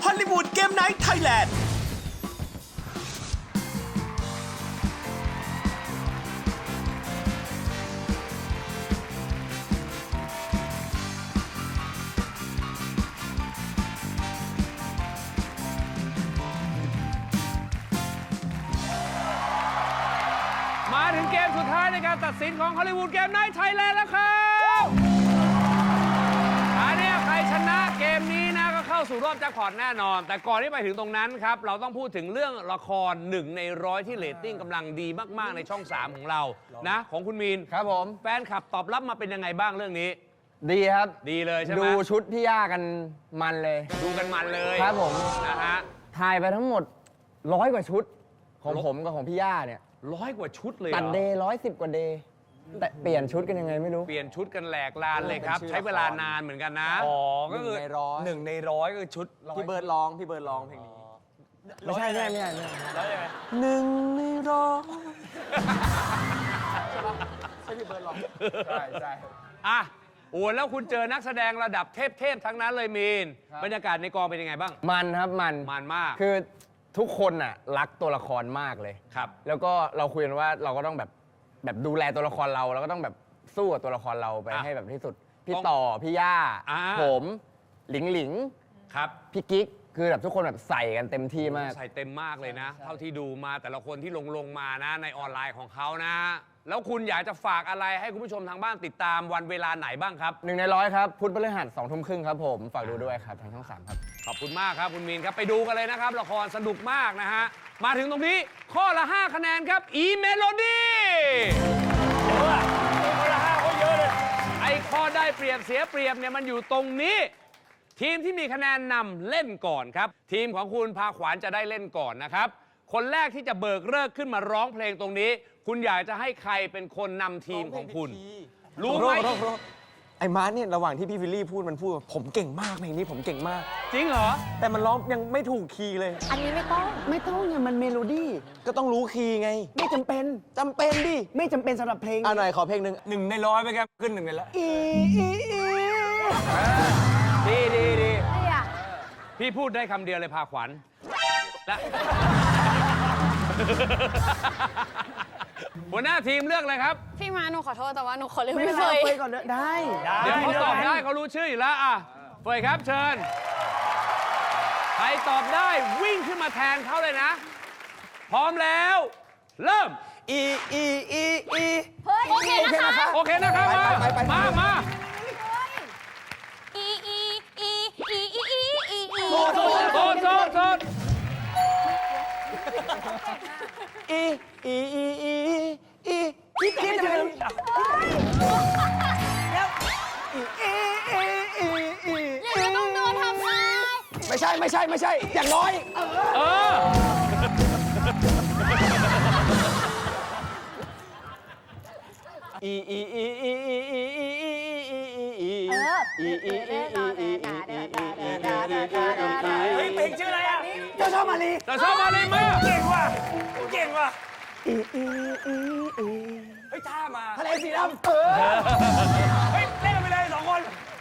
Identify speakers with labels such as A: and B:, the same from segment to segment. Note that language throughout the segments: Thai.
A: อลลีวูดเกมไนท์ไทยแลนด์
B: มาถึงเกมสุดท้ายในการตัดสินของฮอลลีวูดเกมไนท์ไทยแลนด์แล้วครับอันนี้ใครชนะเกมนี้นะก็เข้าสู่รอบแจ็คพอตแน่นอน แต่ก่อนที่ไปถึงตรงนั้นครับเราต้องพูดถึงเรื่องละคร1 ใน 100ที่เรตติ้งกำลังดีมากๆในช่อง 3 ของเรานะของคุณมีน
C: ครับผม
B: แฟนคลับตอบรับมาเป็นยังไงบ้างเรื่องนี้
C: ดีครับ
B: ดีเลยใช่ไหม
C: ดูชุดพี่ย่ากันมันเลย
B: ดูกันมันเลย
C: ครับผม
B: นะฮะ
C: ถ่ายไปทั้งหมด100 กว่าชุด ของผมกับของพี่ย่าเนี่ย
B: 100 กว่าชุดเลยเหร
C: ตัด
B: อ
C: เดย์110 กว่าเดย์แต่เปลี่ยนชุดกันยังไงไม่รู้
B: เปลี่ยนชุดกันแหลกลานเลยครับ ใช้เวลานานเหมือนกันนะ
D: อ๋อ ก็คือ
C: 1 ใน 100
D: 1 ใน 100 ก็คือชุด
C: พี่เบิร์ดร้องเพลงนี้ไม่ใช่ไม่ใช่ไม่ใช่
D: แล้วยังไง
C: 1 ใน 100ใช่พี่เบิร์ดร้องใช่ใช่
B: อ่ะโอ้แล้วคุณเจอนักแสดงระดับเทพๆทั้งนั้นเลยมีน บรรยากาศในกองเป็นยังไงบ้าง
C: มันครับมัน
B: มันมาก
C: คือทุกคนน่ะรักตัวละครมากเลย
B: ครับ
C: แล้วก็เราคุยกันว่าเราก็ต้องแบบดูแลตัวละครเราแล้วก็ต้องแบบสู้กับตัวละครเราไป
B: อ่ะ
C: ให้แบบที่สุด พี่
B: ต้อง
C: ต่อ พี่ย่า
B: อ่า
C: ผมหลิงหลิง
B: ครับ
C: พี่กิ๊ก คือแบบทุกคนแบบใส่กันเต็มที่มาก
B: ใส่เต็มมากเลยนะ เท่าที่ดูมาแต่ละคนที่ลงมานะในออนไลน์ของเขานะ แล้วคุณอยากจะฝากอะไรให้คุณผู้ชมทางบ้านติดตามวันเวลาไหนบ้างครับ
C: 1 ใน 100 ครับ พุธพฤหัส2 ทุ่มครึ่งครับผม ฝากดูด้วยครับ ทางช่อง 3 ครับ
B: ขอบคุณมากครับคุณมีนครับไปดูกันเลยนะครับละครสนุกมากนะฮะมาถึงตรงนี้ข้อละ 5 คะแนนครับอีเมโลดี้ไอ้ข้อได้เปรียบเสียเปรียบเนี่ยมันอยู่ตรงนี้ ทีมที่มีคะแนนนำเล่นก่อนครับทีมของคุณพาขวานจะได้เล่นก่อนนะครับคนแรกที่จะเบิกเลิกขึ้นมาร้องเพลงตรงนี้ คุณอยากจะให้ใครเป็นคนนำทีมของคุณ รู้ไหม
D: ไอ้มาร์ทเนี่ยระหว่างที่พี่วิลลี่พูดมันพูดว่าผมเก่งมากเพลงนี้ผมเก่งมาก
B: จริงเหรอ
D: แต่มันร้องยังไม่ถูกคีย์เลย
E: อันนี้ไม่ต้อง
C: ไม่ต้องเนี่ยมันเมโลดี้
D: ก็ต้องรู้คีย์ไง
C: ไม่จำเป็น
D: จำเป็นดิ
C: ไม่จำเป็นสำหรับเพลง
D: หน่อยขอเพลงหนึ่ง1 ใน 100ไปครับขึ้น1 ใน 100
B: ดีดีดี
E: ไม่อยาก
B: พี่พูดได้คำเดียวเลยพาขวัญและ หัวหน้าทีมเลือกเลยครับ
E: พี่มาหนูขอโทษแต่ว่าหนูขอเลือก
C: ไม่
E: พี่
C: เป็น
E: เฟ
C: ไร
E: ย
C: ไปก่อนได้
B: เดี๋ยวเขาตอบได้เขารู้ชื่ออยู่แล้วอ่ะเฟยครับเชิญ ใครตอบได้วิ่งขึ้นมาแทนเขาเลยนะ พร้อมแล้ว เริ่ม
E: เฮ้ย โอเคนะคะ
B: โอเคนะครับ มา
E: อีอีอีอีอีอีอีอี
B: โซด
C: พี่จะเป็น
E: อย่าต้องโดนทำร้าย
C: ไม่ใช่ อย่างน้อย
B: เออ
D: เพลงชื่ออะไรอ่ะ
C: เจ้าชอบมาลี
B: แต่ชอบมาเลยมา
D: เก่งว่ะเฮ้ยท่ามา
C: ทะเลสีดำ
D: เฮ้ยเล่นกันไปเลย2 คน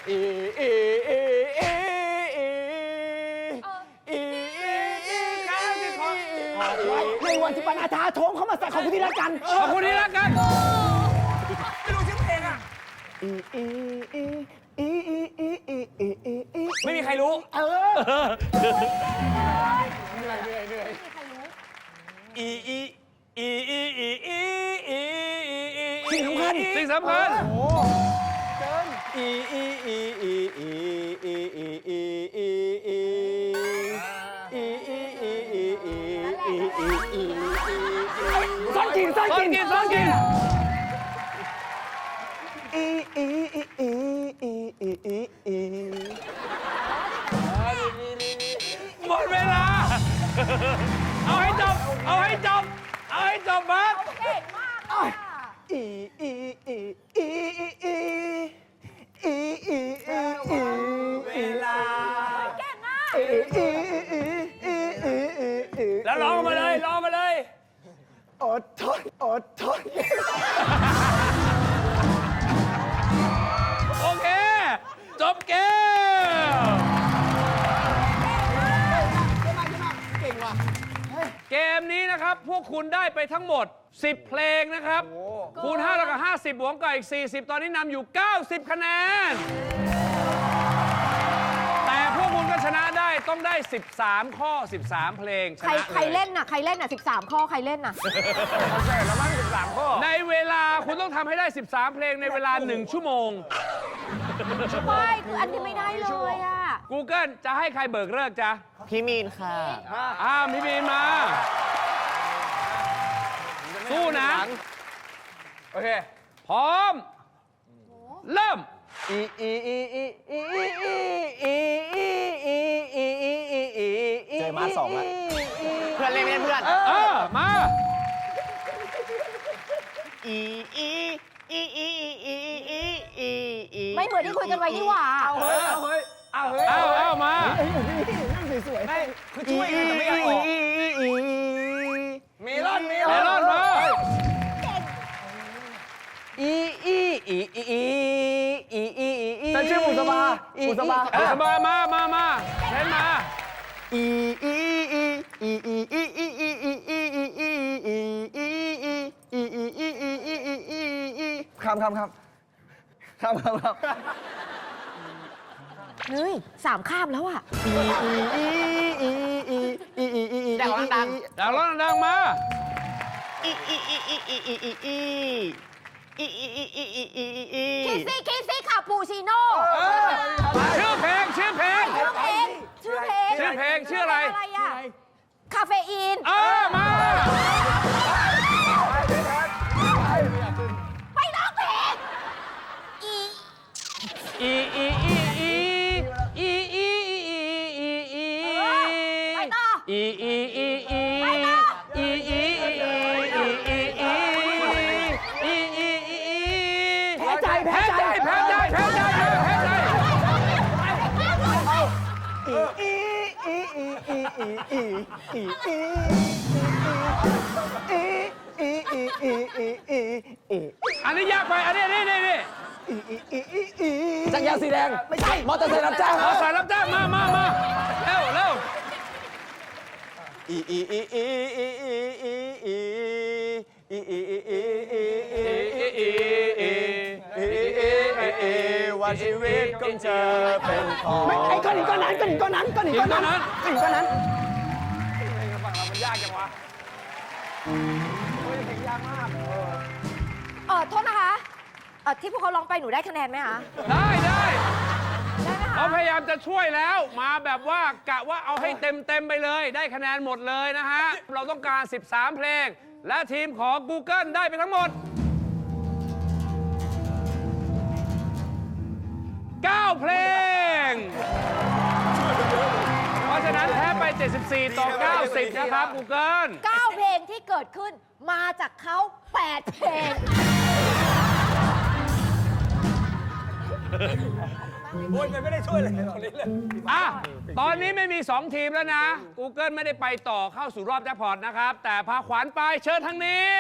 C: ในวันที่ปนาธาโถงเข้ามาใส่ของคุณที่รักกัน
B: ขอบคุณที่รักกัน
D: ไม่รู้ชื่อเพลงอ่ะ ไม่มีใครรู้
B: สิ่งสำคัญ
C: ซ่อนกิน
B: หมดเวลา เอาให้จบมาร์ค
E: เก่งมากเลยอะ
D: เวลา
E: เก่งอ่ะ
D: แล้วร้องมาเลย
C: อดทน
B: โอเค จบเกมมนี้นะครับ พวกคุณได้ไปทั้งหมด 10 เพลงนะครับ คูณ5แล้วก็50 บวกกับอีก 40 ตอนนี้นำอยู่ 90 คะแนน แต่พวกคุณก็ชนะได้ต้องได้ 13 ข้อ 13 เพลงช
E: ใคร
B: นะ
E: ใครเล่นน่ะใครเล่นน่ะ13 ข้อใครเล่นน่ะ
B: ในเวลาคุณต้องทำให้ได้ 13 เพลงในเวลา 1 ชั่วโมง
E: ไม่คืออันนี้ไม่ได้เลยอ่ะ
B: Google จะให้ใครเบิกเลิกจ๊ะ
C: พี่มีนค่ะ
B: พี่บีนมา สู้นะ
C: โอเค
B: พร้อม เริ่ม
D: เจอมาสองแล้ว
C: เพื่อนเล่นไม่เล่นเพื่อน
B: มา
E: ไม่เหมือนที่คุยกันไว้นี่หว่า
B: เอามา
D: คือช่วยกันแต่ไม่อยากออก
C: เมลอน
B: เมลอนมา
C: ฉันชื่อบุษบาบุษบา
B: มาเช่นมา
C: ครับ
E: เฮ้ย3 ข้ามแล้วอ่ะ
C: ดังดัง
B: ดังร้อนดังมา
E: คิซี่คาปูชิโน่
B: ชื่อเพลง
E: ชื่อเพลง
B: ชื่ออะไร
E: อะไรอ่ะคาเฟอีน
B: มา
E: ไปร้องเพลงไปต่อ
B: แพ้ใจอันนี้ยากไปอันนี้
C: จักรยานสีแดง ไม่ใช่ มอเตอร์ไซค์รับจ้าง
B: เอาสายรับจ้างมาเร็ว
D: ว่าชีวิตของเธอเป็นของ
C: ไอ้ก้อนหินก้อนนั้น
B: หินก้อนนั้น
C: ฝั่งเรามันยากจังวะ
E: โทษนะคะที่พวกเขาร้องไปหนูได้คะแนนไหมคะ
B: ได้
E: ได้ไหมคะ
B: เขาพยายามจะช่วยแล้วมาแบบว่ากะว่าเอาให้เต็มไปเลย ได้คะแนนหมดเลยนะฮะ เราต้องการ 13 เพลง และทีมของ Google ได้ไปทั้งหมด 9 เพลง เพราะฉะนั้นแพ้ไป 74 ต่อ 90 นะครับ Google
E: 9 เพลงที่เกิดขึ้นมาจากเขา8 เพลง
D: โอ้ยไม่ได้ช่วยเลยตอนนี้เลย
B: ตอนนี้ไม่มี 2 ทีมแล้วนะ Google ไม่ได้ไปต่อเข้าสู่รอบแจ็คพอตนะครับ แต่พาขวัญไปเชิญทางนี้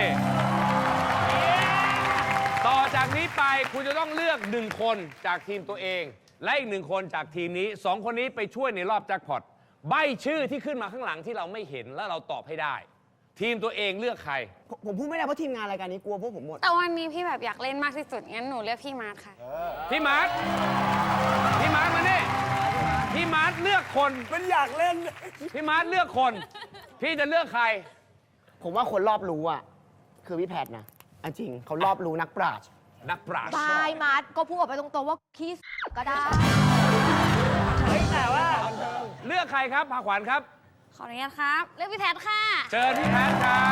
B: ต่อจากนี้ไปคุณจะต้องเลือก 1 คนจากทีมตัวเอง และอีก 1 คนจากทีมนี้ 2 คนนี้ไปช่วยในรอบแจ็คพอตใบ้ชื่อที่ขึ้นมาข้างหลังที่เราไม่เห็นแล้วเราตอบให้ได้ ทีมตัวเองเลือกใคร
C: ผมพูดไม่ได้เพราะทีมงานรายการนี้กลัวพวกผมหมด
F: แต่วันนี้พี่แบบอยากเล่นมากที่สุด งั้นหนูเลือกพี่มาร์ทค่ะ
B: พี่มาร์ทมานี่พี่มาร์ทเลือกคน
D: มันอยากเล่น
B: พี่มาร์ทเลือกคน พี่จะเลือกใคร
C: ผมว่าคนรอบรู้อ่ะ คือพี่แพทย์นะอันจริงเขารอบรู้นักปราชญ์
B: นักปราชญ์
E: บายมาร์ทก็พูดออกไปตรงๆว่าคิสก็ได้
B: เลือกใครครับพาขวัญครับ
F: ขออนุญาตครับ เลือกพี่แพทค่ะ
B: เชิญพี่แพทย์ครับ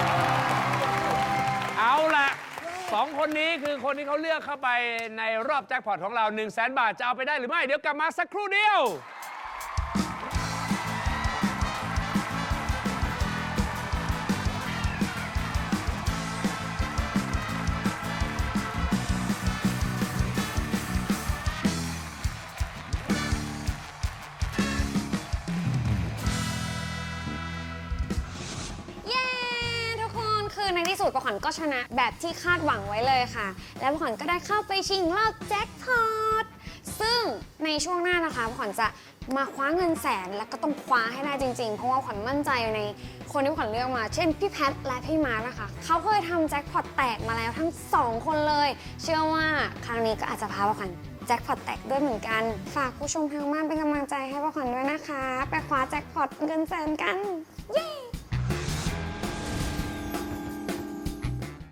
B: เอาล่ะ 2 คนนี้คือคนที่เขาเลือกเข้าไปในรอบแจ็คพอตของเรา 100,000 บาทจะเอาไปได้หรือไม่ เดี๋ยวกลับมาสักครู่เดียว
F: เย้ ทุกคนคือในที่สุดประขวัญก็ชนะแบบที่คาดหวังไว้เลยค่ะ และประขวัญก็ได้เข้าไปชิงรอบแจ็คพอตซึ่งในช่วงหน้านะคะขวัญจะมาคว้าเงินแสนแล้วก็ต้องคว้าให้ได้จริงๆ เพราะว่าขวัญมั่นใจในคนที่ขวัญเลือกมา เช่นพี่แพทและพี่มาร์คนะคะเขาเคยทำแจ็คพอตแตกมาแล้วทั้ง2คนเลย เชื่อว่าครั้งนี้ก็อาจจะพาขวัญแจ็คพอตแตกด้วยเหมือนกันฝากผู้ชมทางบ้านเป็นกำลังใจให้ขวัญด้วยนะคะไปคว้าแจ็คพอตเงินแสนกันเย้